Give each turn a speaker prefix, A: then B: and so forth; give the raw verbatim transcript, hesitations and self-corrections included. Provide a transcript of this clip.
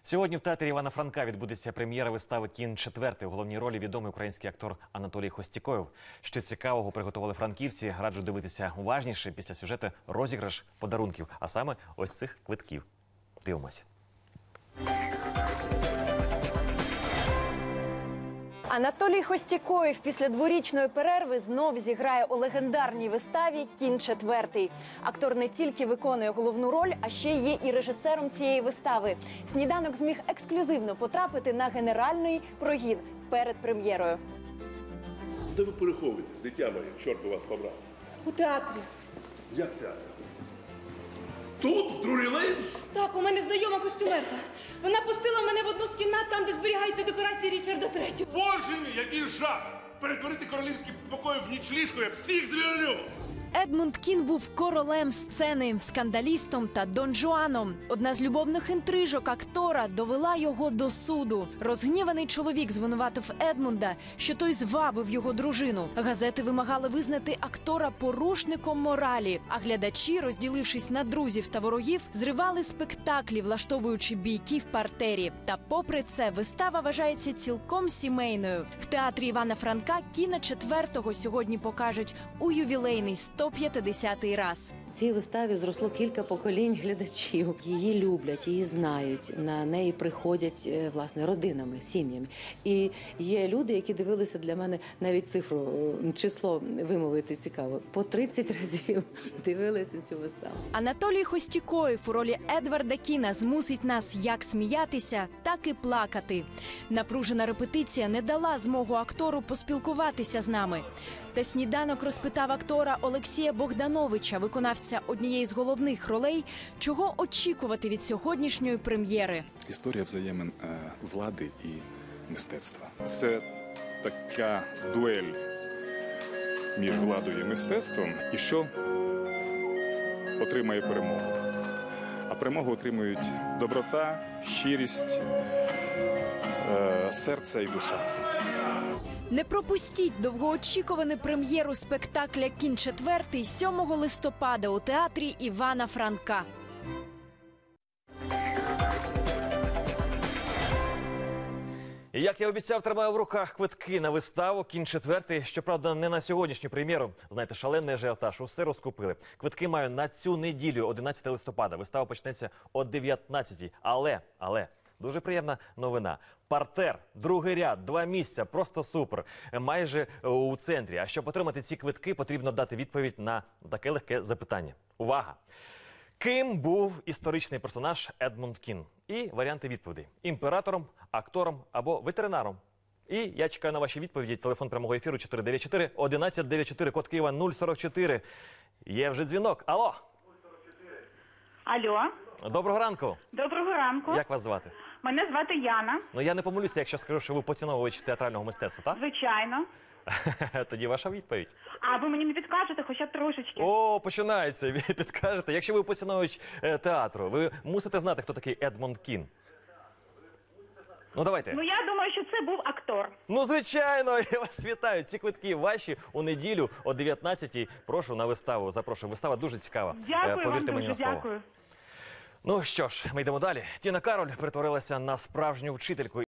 A: Сьогодні в театрі Івана Франка відбудеться прем'єра вистави «Кін четвертий». У головній ролі відомий український актор Анатолій Хостікоєв. Що цікавого приготували франківці, раджу дивитися уважніше після сюжету розіграш подарунків, а саме ось цих квитків. Дивимось.
B: Анатолій Хостікоєв після дворічної перерви знов зіграє у легендарній виставі «Кін четвертий». Актор не тільки виконує головну роль, а ще є і режисером цієї вистави. «Сніданок» зміг ексклюзивно потрапити на генеральний прогін перед прем'єрою.
C: Де ви переховуєтесь, дитя моє? Чорт би вас побрав.
D: У театрі.
C: Як театр? Тут, в Друрі Лейн?
D: Так, у мене знайома костюмерка. Вона пустила мене в одну з кімнат, там, де зберігаються декорації Річарда третього.
C: Боже мій, який жах! Перетворити королівські покої в нічліжку, я всіх звільню!
B: Едмунд Кін був королем сцени, скандалістом та Дон Жуаном. Одна з любовних інтрижок актора довела його до суду. Розгніваний чоловік звинуватив Едмунда, що той звабив його дружину. Газети вимагали визнати актора порушником моралі, а глядачі, розділившись на друзів та ворогів, зривали спектаклі, влаштовуючи бійки в партері. Та попри це, вистава вважається цілком сімейною. В театрі Івана Франка «Кіна четвертого» сьогодні покажуть у ювілейний сто п'ятдесятий раз.
E: В цій виставі зросло кілька поколінь глядачів. Її люблять, її знають, на неї приходять, власне, родинами, сім'ями. І є люди, які дивилися, для мене навіть цифру, число вимовити цікаво, по тридцять разів дивилися цю виставу.
B: Анатолій Хостікоєв у ролі Едварда Кіна змусить нас як сміятися, так і плакати. Напружена репетиція не дала змогу актору поспілкуватися з нами. Та «Сніданок» розпитав актора Олексія Богдановича, виконавця однієї з головних ролей, чого очікувати від сьогоднішньої прем'єри.
F: Історія взаємин е, влади і мистецтва. Це така дуель між владою і мистецтвом, і що отримає перемогу. А перемогу отримують доброта, щирість, е, серце і душа.
B: Не пропустіть довгоочікувану прем'єру спектакля «Кін четвертий» сьомого листопада у театрі Івана Франка.
A: І як я обіцяв, тримаю в руках квитки на виставу «Кін четвертий». Щоправда, не на сьогоднішню прем'єру. Знаєте, шалений ажіотаж, усе розкупили. Квитки маю на цю неділю, одинадцятого листопада. Вистава почнеться о дев'ятнадцятій. Але, але... Дуже приємна новина. Партер, другий ряд, два місця, просто супер. Майже у центрі. А щоб отримати ці квитки, потрібно дати відповідь на таке легке запитання. Увага! Ким був історичний персонаж Едмунд Кін? І варіанти відповідей. Імператором, актором або ветеринаром. І я чекаю на ваші відповіді. Телефон прямого ефіру чотири дев'ять чотири одинадцять дев'ять чотири, код Києва нуль сорок чотири. Є вже дзвінок. Алло!
G: Алло.
A: Доброго ранку.
G: Доброго ранку.
A: Як вас звати?
G: Мене звати Яна.
A: Ну, я не помилюся, якщо скажу, що ви поціновувач театрального мистецтва, так?
G: Звичайно.
A: Тоді ваша відповідь.
G: А ви мені не підкажете хоча б трошечки?
A: О, починається, ви підкажете. Якщо ви поціновувач е, театру, ви мусите знати, хто такий Едмунд Кін. Ну, давайте.
G: Ну, я думаю, що це був актор.
A: Ну, звичайно, я вас вітаю. Ці квитки ваші у неділю о дев'ятнадцятій. Прошу на виставу. Запрошую. Вистава дуже цікава.
G: Дякую
A: Повірте
G: вам
A: мені
G: дуже,
A: на слово.
G: дякую.
A: Ну що ж, ми йдемо далі. Тіна Кароль перетворилася на справжню вчительку.